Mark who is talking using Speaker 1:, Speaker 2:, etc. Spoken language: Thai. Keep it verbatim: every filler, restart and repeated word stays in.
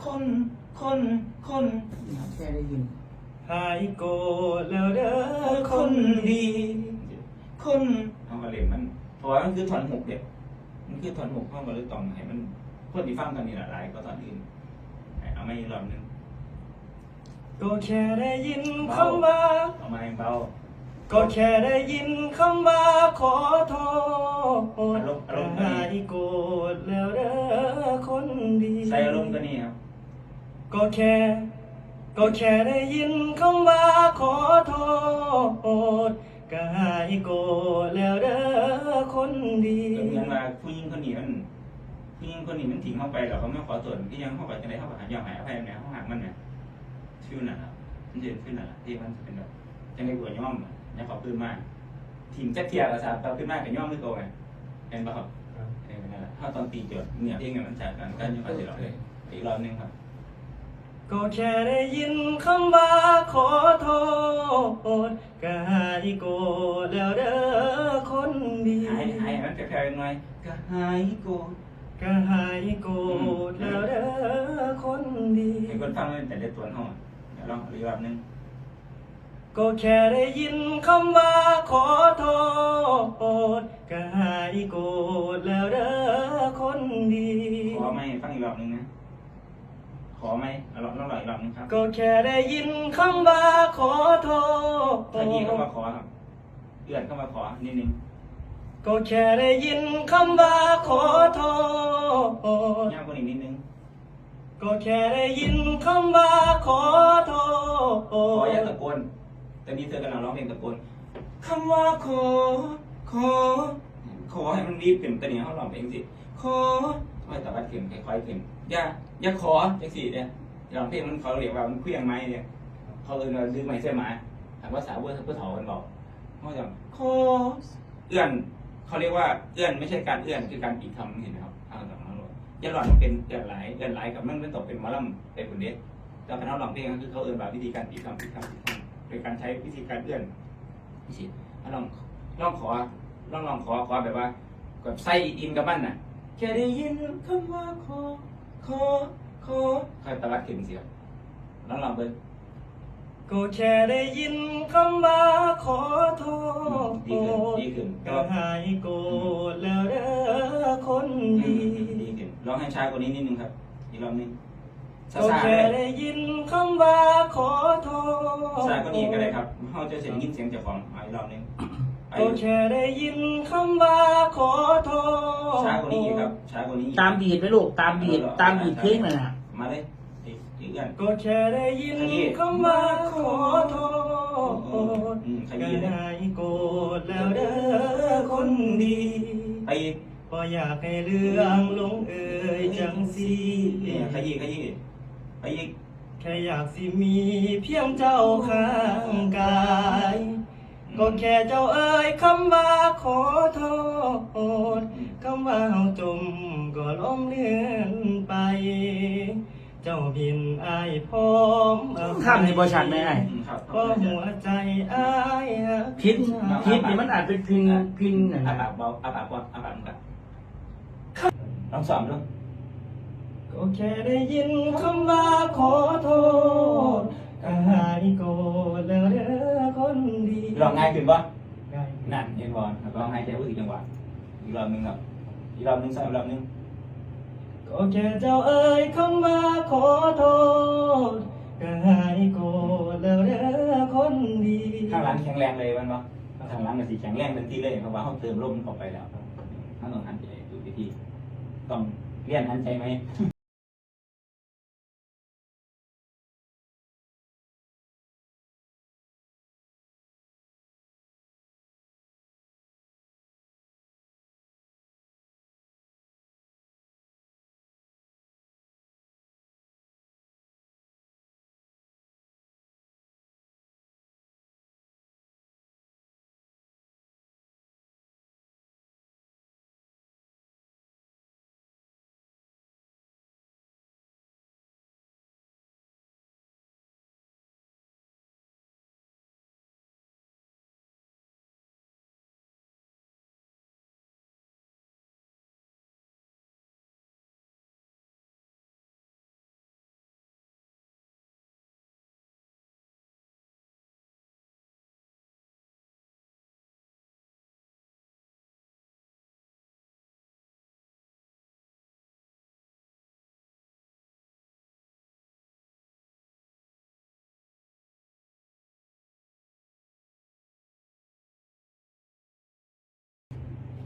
Speaker 1: คนคนคน
Speaker 2: แค่ได้ยิน
Speaker 1: หายโกรธแล้วเด้อคนดีคนเอามาเล่นมันเพราะว่ามันคือถอนหกเด็กมันคือถอนหกเข้ามาเลยตองให้มันคนที่ฟังตอนนี้หลายก็ตอนอื่นเอาไม่รอบนึงก็แค่ได้ยินคำว่าเอามาเบาก็แค่ได้ยินคำว่าขอโทษหายโกรธแล้วเด้อคนดีใส่อารมณ์ตัวนี้ครับก็แค่ก็แค่ได้ยินคำว่าขอโทษก็หายโกรธแล้วเด้อคนดีเหมือนว่าผู้หญิงคนนี้มันผู้หญิงคนนี้มันทิ้งเข้าไปแล้วเขาไม่ขอโทษที่ยังเข้าไปจะได้เข้าไปหายอมหายอภัยเนี่ยเขาหักมันเนี่ยชื่อนั่นครับมันจะชื่อนั่นแหละที่มันจะเป็นแบบจะไม่กลัวย่อมเนี่ยขอพื้นมากทีมแจ็คเทียร์กับสาวพื้นมากกับย่อมไม่โกงไงเห็นป่ะครับเห็นนั่นแหละถ้าตอนตีจดเนี่ยที่เงินมันจากกันก็ยังไม่ได้หรอกเลยอีกรอบนึงครับก็แค่ได้ยินคำว่าขอโทษก็หายโกรธแล้วเด้อคนดีหายหายมันจะแค่ยังไงก็หายโกรธก็หายโกรธแล้วเด้อคนดีให้คนฟังมันแต่เด็ดตัวห้องเดี๋ยวลองอีกรอบนึงก็แค่ได้ยินคำว่าขอโทษก็หายโกรธแล้วเด้อคนดีขอไม่ฟังอีกรอบนึงนะขอไหมลองลองหน่อยลองนะครับก็แค่ได้ยินคำว่าขอโทษถ้ายีเข้ามาขอครับเอื้อนเข้ามาขอนิดนึงก็แค่ได้ยินคำว่าขอโทษยากกว่านี้นิดนึงก็แค่ได้ยินคำว่าขอโทษขออย่าตะโกนตอนนี้เธอกำลังร้องเพลงตะโกนคำว่าขอขอขอให้มันรีบขึ้นตอนนี้เขาร้องเพลงสิขอค่อยตะวัดขึ้นค่อยๆขึ้นอย่าอย่าขอจังสี่เนี่ยร้องเพลงมันเขาเรียกว่ามันเคลื่องไม้เนี่ยเขาเออดื้อไม้เสื้อหมาถามว่าสาวเพื่อเพื่อถอมันบอกเขาจะขอเอื้อนเขาเรียกว่าเอื้อนไม่ใช่การเอื้อนคือการปิดคำเห็นไหมครับทางต่างๆเราอย่าหลอนมันเป็นเอื้อนไหลเอื้อนไหลกับมันเป็นตกเป็นมอลล์เป็นผลเด็ดแต่พนักร้องเพลงก็คือเขาเอื้อนแบบวิธีการปิดคำปิดคำปิดคำโดยการใช้วิธีการเอื้อนนี่สิลองลองขอลองลองขอขอแบบว่าแบบไส้อินกับมันน่ะแค่ได้ยินคำว่าขอขอขอใครตะวัดขึ้นเสียงลองลองเบิ้งก็แค่ได้ยินคำว่าขอโทษดีขึ้นดีขึ้นก็หายโกรธแล้วเด้อคนดีดีขึ้นลองให้ช้ากว่านี้นิดนึงครับอีกรอบนึงก็แค่ได้ยินคำว่าขอโทษช้ากว่านี้ก็ได้ครับเขาจะเสียงยินเสียงเจ้าของอีกรอบนึงก็แค่ได้ยินคำว่าขอโทษช้ากว่านี้อีกครับช้ากว่านี้
Speaker 2: ตามบีทไหมลูกตามบีทตามบีทเพลงเลยนะ
Speaker 1: มาเลยอีกอีกอย่างก็แค่ได้ยินคำว่าขอโทษก็หายโกรธแล้วเด้อคนดีไปก็อยากให้เรื่องลงเอ่ยจังสีเนี่ยขยี้ขยี้ไปอีกแค่อยากสิมีเพียงเจ้าข้างกายก็แค่เจ้าเอ่ยคำว่าขอโทษคำว่าเฮาจมก็ล้มเลื่อนไปเจ้าบินอายพร้อม
Speaker 2: ข้ามในบริษัทไหมไอ้
Speaker 1: ก็หัวใจอาย
Speaker 2: พิษพิษนี่มันอาจเป็นพินพินอะไร
Speaker 1: อาปากเบาอาปากว่าอาปากมึงกันลองสอนดูก็แค่ได้ยินคำว่าขอโทษก็หายโกรธแล้วเด้อคนดีลองง่ายขึ้นป่ะง่ายนั่นเห็นบอลลองหายใจพูดถึงจังหวะอีกรอบนึงครับอีกรอบนึงสักรอบนึงก็แค่เจ้าเอ่ยคำว่าขอโทษก็หายโกรธแล้วเด้อคนดีข้างหลังแข็งแรงเลยมันป่ะข้างหลังมันสีแข็งแรงเป็นที่เลยเพราะว่าเขาเติมลมเข้าไปแล้วถ้าต้องหันใจดูวิธีต้องเรียนหันใจไหม